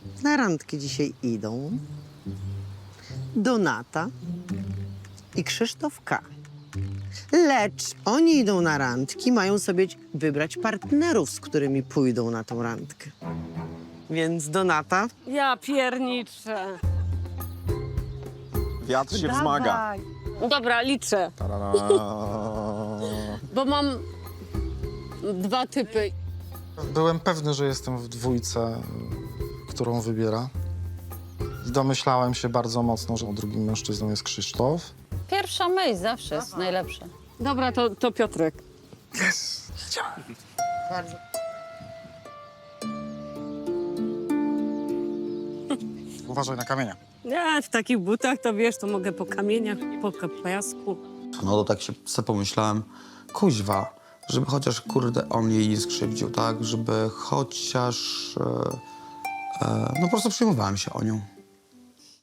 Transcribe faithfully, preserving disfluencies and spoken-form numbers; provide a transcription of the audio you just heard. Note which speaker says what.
Speaker 1: na randki dzisiaj idą Donata i Krzysztof K. Lecz oni idą na randki, mają sobie wybrać partnerów, z którymi pójdą na tą randkę. Więc Donata...
Speaker 2: Ja pierniczę.
Speaker 3: Wiatr się wzmaga.
Speaker 2: Dobra, liczę,
Speaker 3: Tarara.
Speaker 2: bo mam dwa typy.
Speaker 4: Byłem pewny, że jestem w dwójce, którą wybiera. I domyślałem się bardzo mocno, że drugim mężczyzną jest Krzysztof.
Speaker 5: Pierwsza myśl zawsze jest najlepsza.
Speaker 2: Dobra, to, to Piotrek.
Speaker 1: Bardzo.
Speaker 4: Uważaj na kamienia.
Speaker 2: Ja w takich butach to wiesz, to mogę po kamieniach, po piasku.
Speaker 6: No to tak się sobie pomyślałem, kuźwa, żeby chociaż, kurde, on jej nie skrzywdził, tak? Żeby chociaż... E, e, no po prostu przejmowałem się o nią.